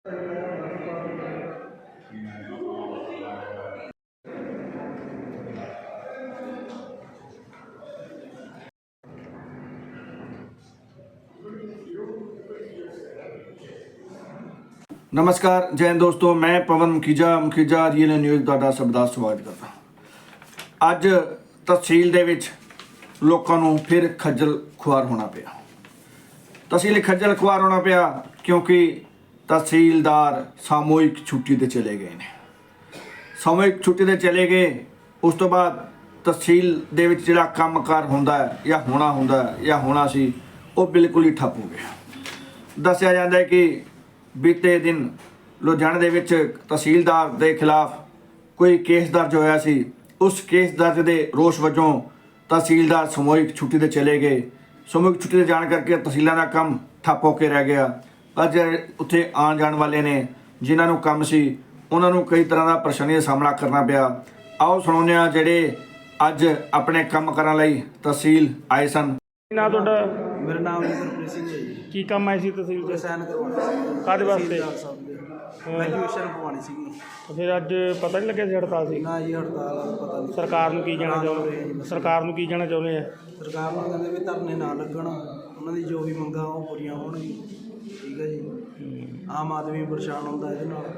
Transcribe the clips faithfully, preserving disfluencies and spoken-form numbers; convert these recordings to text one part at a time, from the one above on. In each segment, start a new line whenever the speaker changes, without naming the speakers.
नमस्कार जय हिंद दोस्तों, मैं पवन मुखीजा मुखीजा ਰੀਅਲ ਨਿਊਜ਼ ਤੁਹਾਡਾ ਸਭ ਦਾ ਸਵਾਗਤ ਕਰਦਾ। ਅੱਜ ਤਹਿਸੀਲ ਦੇ ਵਿੱਚ ਲੋਕਾਂ ਨੂੰ ਫਿਰ ਖੱਜਲ ਖੁਆਰ ਹੋਣਾ ਪਿਆ। ਤਹਿਸੀਲ ਖੱਜਲ ਖੁਆਰ ਹੋਣਾ ਪਿਆ ਕਿਉਂਕਿ ਤਹਿਸੀਲਦਾਰ ਸਾਮੂਹਿਕ ਛੁੱਟੀ ਤੇ ਚਲੇ ਗਏ ਨੇ। ਸਾਮੂਹਿਕ ਛੁੱਟੀ ਤੇ ਚਲੇ ਗਏ, ਉਸ ਤੋਂ ਬਾਅਦ ਤਹਿਸੀਲ ਦੇ ਵਿੱਚ ਜਿਹੜਾ ਕੰਮਕਾਰ ਹੁੰਦਾ ਹੈ ਜਾਂ ਹੋਣਾ ਹੁੰਦਾ ਹੈ ਜਾਂ ਹੋਣਾ ਸੀ, ਉਹ ਬਿਲਕੁਲ ਹੀ ਠੱਪ ਹੋ ਗਿਆ। ਦੱਸਿਆ ਜਾਂਦਾ ਹੈ ਕਿ ਬੀਤੇ ਦਿਨ ਲੁਧਿਆਣੇ ਦੇ ਵਿੱਚ ਤਹਿਸੀਲਦਾਰ ਦੇ ਖਿਲਾਫ ਕੋਈ ਕੇਸ ਦਰਜ ਹੋਇਆ ਸੀ। ਉਸ ਕੇਸ ਦਰਜ ਦੇ ਰੋਸ ਵਜੋਂ ਤਹਿਸੀਲਦਾਰ ਸਮੂਹਿਕ ਛੁੱਟੀ ਤੇ ਚਲੇ ਗਏ। ਸਮੂਹਿਕ ਛੁੱਟੀ ਤੇ ਜਾਣ ਕਰਕੇ ਤਹਿਸੀਲਾਂ ਦਾ ਕੰਮ ਠੱਪ ਹੋ ਕੇ ਰਹਿ ਗਿਆ। ਅੱਜ ਉੱਥੇ ਆਉਣ ਜਾਣ ਵਾਲੇ ਨੇ ਜਿਨ੍ਹਾਂ ਨੂੰ ਕੰਮ ਸੀ, ਉਹਨਾਂ ਨੂੰ ਕਈ ਤਰ੍ਹਾਂ ਦਾ ਪਰੇਸ਼ਾਨੀ ਦਾ ਸਾਹਮਣਾ ਕਰਨਾ ਪਿਆ। ਆਓ ਸੁਣਾਉਂਦੇ ਹਾਂ ਜਿਹੜੇ ਅੱਜ ਆਪਣੇ ਕੰਮ ਕਰਨ ਲਈ ਤਹਿਸੀਲ ਆਏ ਸਨ।
ਨਾ ਤੁਹਾਡਾ?
ਮੇਰਾ ਨਾਮ ਗੁਰਪ੍ਰੀਤ ਸਿੰਘ ਹੈ ਜੀ।
ਕੀ ਕੰਮ ਆਏ ਸੀ ਤਹਿਸੀਲ ਤੇ?
ਸਾਈਨ ਕਰਵਾਉਣਾ।
ਕਾਹਦੇ ਵਾਸਤੇ?
ਐਜੂਕੇਸ਼ਨ ਪਵਾਉਣੀ ਸੀਗੀ।
ਫਿਰ ਅੱਜ ਪਤਾ ਨਹੀਂ ਲੱਗਿਆ ਸੀ ਹੜਤਾਲ ਸੀ?
ਨਾ ਜੀ, ਹੜਤਾਲ ਪਤਾ ਨਹੀਂ।
ਸਰਕਾਰ ਨੂੰ ਕੀ ਕਹਿਣਾ ਚਾਹੁੰਦੇ? ਸਰਕਾਰ ਨੂੰ ਕੀ ਕਹਿਣਾ ਚਾਹੁੰਦੇ ਆ?
ਸਰਕਾਰ ਨੂੰ ਕਹਿੰਦੇ ਵੀ ਧਰਨੇ ਨਾ ਲੱਗਣ, ਉਹਨਾਂ ਦੀ ਜੋ ਵੀ ਮੰਗਾਂ ਉਹ ਪੂਰੀਆਂ ਹੋਣਗੀਆਂ। ਠੀਕ ਹੈ ਜੀ। ਆਮ ਆਦਮੀ ਪਰੇਸ਼ਾਨ ਹੁੰਦਾ ਇਹਦੇ ਨਾਲ।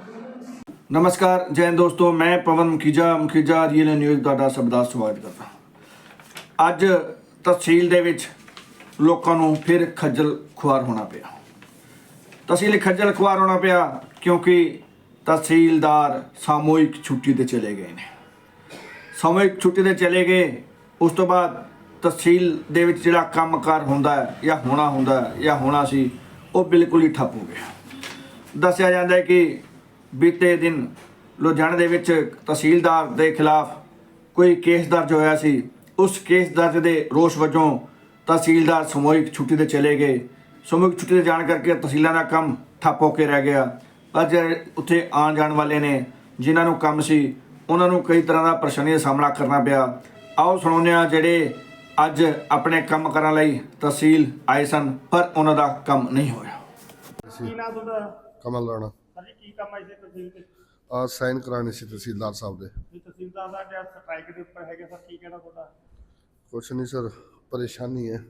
ਨਮਸਕਾਰ ਜੈ ਹਿੰਦ ਦੋਸਤੋ, ਮੈਂ ਪਵਨ ਮੁਖੀਜਾ ਮੁਖੀਜਾ ਰੀਅਲ ਨਿਊਜ਼ ਤੁਹਾਡਾ ਸਭ ਦਾ ਸਵਾਗਤ ਕਰਦਾ। ਅੱਜ ਤਹਿਸੀਲ ਦੇ ਵਿੱਚ ਲੋਕਾਂ ਨੂੰ ਫਿਰ ਖੱਜਲ ਖੁਆਰ ਹੋਣਾ ਪਿਆ। ਤਹਿਸੀਲ ਖੱਜਲ ਖੁਆਰ ਹੋਣਾ ਪਿਆ ਕਿਉਂਕਿ ਤਹਿਸੀਲਦਾਰ ਸਾਮੂਹਿਕ ਛੁੱਟੀ ਤੇ ਚਲੇ ਗਏ ਨੇ। ਸਾਮੂਹਿਕ ਛੁੱਟੀ ਤੇ ਚਲੇ ਗਏ, ਉਸ ਤੋਂ ਬਾਅਦ ਤਹਿਸੀਲ ਦੇ ਵਿੱਚ ਜਿਹੜਾ ਕੰਮਕਾਰ ਹੁੰਦਾ ਹੈ ਜਾਂ ਹੋਣਾ ਹੁੰਦਾ ਹੈ ਜਾਂ ਹੋਣਾ ਸੀ, ਉਹ ਬਿਲਕੁਲ ਹੀ ਠੱਪ ਹੋ ਗਿਆ। ਦੱਸਿਆ ਜਾਂਦਾ ਹੈ ਕਿ ਬੀਤੇ ਦਿਨ ਲੁਧਿਆਣੇ ਦੇ ਵਿੱਚ ਤਹਿਸੀਲਦਾਰ ਦੇ ਖਿਲਾਫ ਕੋਈ ਕੇਸ ਦਰਜ ਹੋਇਆ ਸੀ। ਉਸ ਕੇਸ ਦਰਜ ਦੇ ਰੋਸ ਵਜੋਂ ਤਹਿਸੀਲਦਾਰ ਸਮੂਹਿਕ ਛੁੱਟੀ ਤੇ ਚਲੇ ਗਏ। ਸਮੂਹਿਕ ਛੁੱਟੀ ਤੇ ਜਾਣ ਕਰਕੇ ਤਹਿਸੀਲਾਂ ਦਾ ਕੰਮ ਠੱਪ ਹੋ ਕੇ ਰਹਿ ਗਿਆ। ਅੱਜ ਉੱਥੇ ਆਉਣ ਜਾਣ ਵਾਲੇ ਨੇ ਜਿਨ੍ਹਾਂ ਨੂੰ ਕੰਮ ਸੀ, ਉਹਨਾਂ ਨੂੰ ਕਈ ਤਰ੍ਹਾਂ ਦਾ ਪਰੇਸ਼ਾਨੀ ਦਾ ਸਾਹਮਣਾ ਕਰਨਾ ਪਿਆ। ਆਓ ਸੁਣਾਉਂਦੇ ਹਾਂ ਜਿਹੜੇ ਅੱਜ ਆਪਣੇ ਕੰਮ ਕਰਨ ਲਈ ਤਹਿਸੀਲ ਆਏ ਸਨ ਪਰ ਉਹਨਾਂ ਦਾ ਕੰਮ ਨਹੀਂ ਹੋਇਆ।
ਕੀ ਨਾਮ ਤੁਹਾਡਾ?
ਕਮਲ ਰਾਣਾ।
ਹਾਂਜੀ, ਕੀ ਕੰਮ ਆਏ ਸੀ ਤਹਿਸੀਲ ਤੇ?
ਆ ਸਾਈਨ ਕਰਾਣੇ ਸੀ ਤਹਿਸੀਲਦਾਰ ਸਾਹਿਬ ਦੇ।
ਵੀ ਤਹਿਸੀਲਦਾਰ ਦਾ ਜਿਹੜਾ ਸਟ੍ਰਾਈਕ ਦੇ ਉੱਪਰ ਹੈਗੇ ਸਰ, ਕੀ ਕਹਿਣਾ ਤੁਹਾਡਾ?
ਕੁਛ ਨਹੀਂ ਸਰ, ਪਰੇਸ਼ਾਨੀ ਹੈ।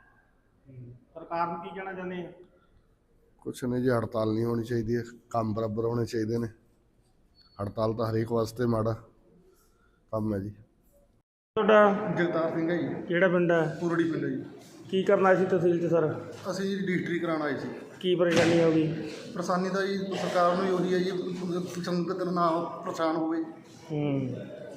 ਸਰਕਾਰ ਨੂੰ ਕੀ ਕਹਿਣਾ ਚਾਹੁੰਦੇ ਆ?
ਕੁਛ ਨਹੀਂ ਜੀ, ਹੜਤਾਲ ਨਹੀਂ ਹੋਣੀ ਚਾਹੀਦੀ ਹੈ, ਕੰਮ ਬਰਾਬਰ ਹੋਣੇ ਚਾਹੀਦੇ ਨੇ। ਹੜਤਾਲ ਤਾਂ ਹਰੇਕ ਵਾਸਤੇ ਮਾੜਾ ਕੰਮ ਹੈ ਜੀ।
ਤੁਹਾਡਾ?
ਜਗਤਾਰ ਸਿੰਘ ਹੈ ਜੀ।
ਕਿਹੜਾ ਪਿੰਡ ਹੈ?
ਪੂਰੜੀ ਪਿੰਡ ਹੈ ਜੀ।
ਕੀ ਕਰਨਾ ਸੀ ਤਹਿਸੀਲ 'ਚ ਸਰ?
ਅਸੀਂ ਜੀ ਰਜਿਸਟਰੀ ਕਰਾਉਣ ਆਏ ਸੀ।
ਕੀ ਪਰੇਸ਼ਾਨੀ ਹੋ ਗਈ?
ਪਰੇਸ਼ਾਨੀ ਤਾਂ ਜੀ ਸਰਕਾਰ ਨੂੰ ਹੀ ਉਹੀ ਹੈ ਜੀ, ਸੰਗਤ ਨਾ ਪਰੇਸ਼ਾਨ ਹੋਵੇ।
ਹੂੰ।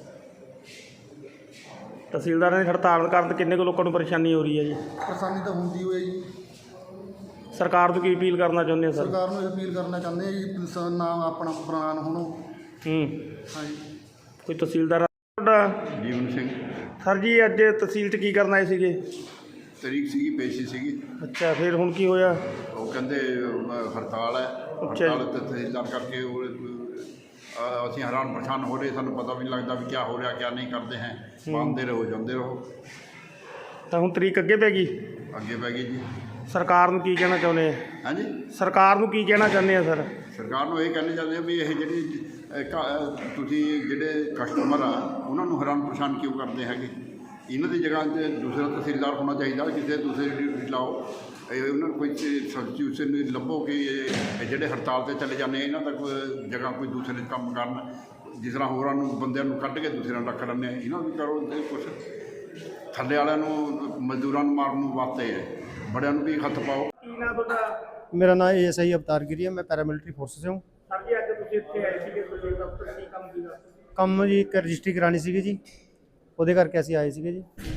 ਤਹਿਸੀਲਦਾਰਾਂ ਦੀ ਹੜਤਾਲ ਕਾਰਨ ਕਿੰਨੇ ਕੁ ਲੋਕਾਂ ਨੂੰ ਪਰੇਸ਼ਾਨੀ ਹੋ ਰਹੀ ਹੈ ਜੀ?
ਪਰੇਸ਼ਾਨੀ ਤਾਂ ਹੁੰਦੀ ਹੋਈ ਹੈ ਜੀ।
ਸਰਕਾਰ ਨੂੰ ਕੀ ਅਪੀਲ ਕਰਨਾ ਚਾਹੁੰਦੇ ਆ ਸਰ?
ਸਰਕਾਰ ਨੂੰ ਇਹ ਅਪੀਲ ਕਰਨਾ ਚਾਹੁੰਦੇ ਆ ਜੀ, ਸ- ਨਾ ਆਪਣਾ ਪ੍ਰਾਣ ਹੋਣੋ।
ਹੂੰ।
ਹਾਂਜੀ।
ਕੋਈ ਤਹਿਸੀਲਦਾਰ? ਤੁਹਾਡਾ?
ਜੀਵਨ ਸਿੰਘ।
ਸਰ ਜੀ, ਅੱਜ ਤਹਿਸੀਲ 'ਚ ਕੀ ਕਰਨ ਆਏ ਸੀਗੇ?
ਤਰੀਕ ਸੀਗੀ, ਪੇਸ਼ੀ ਸੀਗੀ।
ਅੱਛਾ, ਫਿਰ ਹੁਣ ਕੀ ਹੋਇਆ?
ਉਹ ਕਹਿੰਦੇ ਅਹ, ਹੜਤਾਲ ਹੈ।
ਅੱਛਾ ਜੀ।
ਹੜਤਾਲ ਤੇ ਤਹਿਸੀਲਦਾਰ ਕਰਕੇ ਉਹ, ਅਹ, ਅਸੀਂ ਹੈਰਾਨ ਪਰੇਸ਼ਾਨ ਹੋ ਰਹੇ, ਸਾਨੂੰ ਪਤਾ ਵੀ ਨਹੀਂ ਲੱਗਦਾ ਵੀ ਕੀ ਹੋ ਰਿਹਾ ਕੀ ਨਹੀਂ ਕਰਦੇ ਹੈ। ਮੰਨਦੇ ਰਹੋ, ਜਾਂਦੇ ਰਹੋ।
ਤਾਂ ਹੁਣ ਤਰੀਕ ਅੱਗੇ ਪੈ ਗਈ?
ਅੱਗੇ ਪੈ ਗਈ ਜੀ।
ਸਰਕਾਰ ਨੂੰ ਕੀ ਕਹਿਣਾ ਚਾਹੁੰਦੇ ਆ?
ਹਾਂਜੀ,
ਸਰਕਾਰ ਨੂੰ ਕੀ ਕਹਿਣਾ ਚਾਹੁੰਦੇ ਆ ਸਰ?
ਸਰਕਾਰ ਨੂੰ ਇਹ ਕਹਿਣਾ ਚਾਹੁੰਦੇ ਆ ਵੀ ਇਹ ਜਿਹੜੀ ਅਹ, ਕ- ਅਹ, ਤੁਸੀਂ ਜਿਹੜੇ ਕਸਟਮਰ ਆ ਉਹਨਾਂ ਨੂੰ ਹੈਰਾਨ ਪਰੇਸ਼ਾਨ ਕਿਉਂ ਕਰਦੇ ਹੈਗੇ? ਇਹਨਾਂ ਦੀ ਜਗ੍ਹਾ 'ਤੇ ਦੂਸਰਾ ਤਹਿਸੀਲਦਾਰ ਹੋਣਾ ਚਾਹੀਦਾ। ਕਿਸੇ ਦੂਸਰੇ ਡਿਊਟੀ ਲਾਓ, ਇਹ ਉਹਨਾਂ ਨੂੰ ਕੋਈ ਸਬਸਟੀਟਿਊਸ਼ਨ ਲੱਭੋ ਕਿ ਇਹ ਜਿਹੜੇ ਹੜਤਾਲ 'ਤੇ ਚਲੇ ਜਾਂਦੇ ਇਹਨਾਂ ਦਾ ਕੋਈ ਜਗ੍ਹਾ ਕੋਈ ਦੂਸਰੇ ਕੰਮ ਕਰਨ। ਜਿਸ ਤਰ੍ਹਾਂ ਹੋਰਾਂ ਨੂੰ ਬੰਦਿਆਂ ਨੂੰ ਕੱਢ ਕੇ ਦੂਸਰਿਆਂ ਨੂੰ ਰੱਖ ਲੈਂਦੇ, ਇਹਨਾਂ ਨੂੰ ਵੀ ਕਰੋ। ਕੁਛ ਥੱਲੇ ਵਾਲਿਆਂ ਨੂੰ ਮਜ਼ਦੂਰਾਂ ਨੂੰ ਮਾਰਨ ਨੂੰ ਵਾਸਤੇ ਬੜਿਆਂ ਨੂੰ ਵੀ ਹੱਥ ਪਾਓ।
ਕੀ ਨਾਮ ਤੁਹਾਡਾ?
मेरा नाम ए एस आई अवतार गिरी है। मैं पैरामिलिट्री फोर्स से हूँ।
ਸਰ ਜੀ, ਅੱਜ ਤੁਸੀਂ ਇੱਥੇ ਆਏ ਸੀਗੇ ਤਹਿਸੀਲ ਦਫ਼ਤਰ, ਕੀ ਕੰਮ ਸੀਗਾ?
ਕੰਮ ਜੀ ਇੱਕ ਰਜਿਸਟਰੀ ਕਰਾਉਣੀ ਸੀਗੀ ਜੀ, ਉਹਦੇ ਕਰਕੇ ਅਸੀਂ ਆਏ ਸੀਗੇ ਜੀ।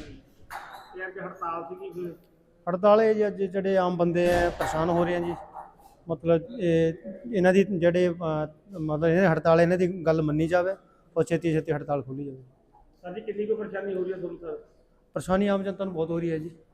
ਤੇ ਅੱਜ ਹੜਤਾਲ ਸੀਗੀ ਫਿਰ?
ਹੜਤਾਲ ਇਹ ਜੀ, ਅੱਜ ਜਿਹੜੇ ਆਮ ਬੰਦੇ ਹੈ ਪਰੇਸ਼ਾਨ ਹੋ ਰਹੇ ਆ ਜੀ। ਮਤਲਬ ਇਹ ਇਹਨਾਂ ਦੀ ਜਿਹੜੇ ਅ, ਮਤਲਬ ਇਹ ਹੜਤਾਲ ਇਹਨਾਂ ਦੀ ਗੱਲ ਮੰਨੀ ਜਾਵੇ ਔਰ ਛੇਤੀ ਛੇਤੀ ਹੜਤਾਲ ਖੋਲ੍ਹੀ ਜਾਵੇ।
ਸਰ ਜੀ, ਕਿੰਨੀ ਕੁ ਪਰੇਸ਼ਾਨੀ ਹੋ ਰਹੀ ਹੈ ਤੁਹਾਨੂੰ ਸਰ?
ਪਰੇਸ਼ਾਨੀ ਆਮ ਜਨਤਾ ਨੂੰ ਬਹੁਤ ਹੋ ਰਹੀ ਹੈ ਜੀ।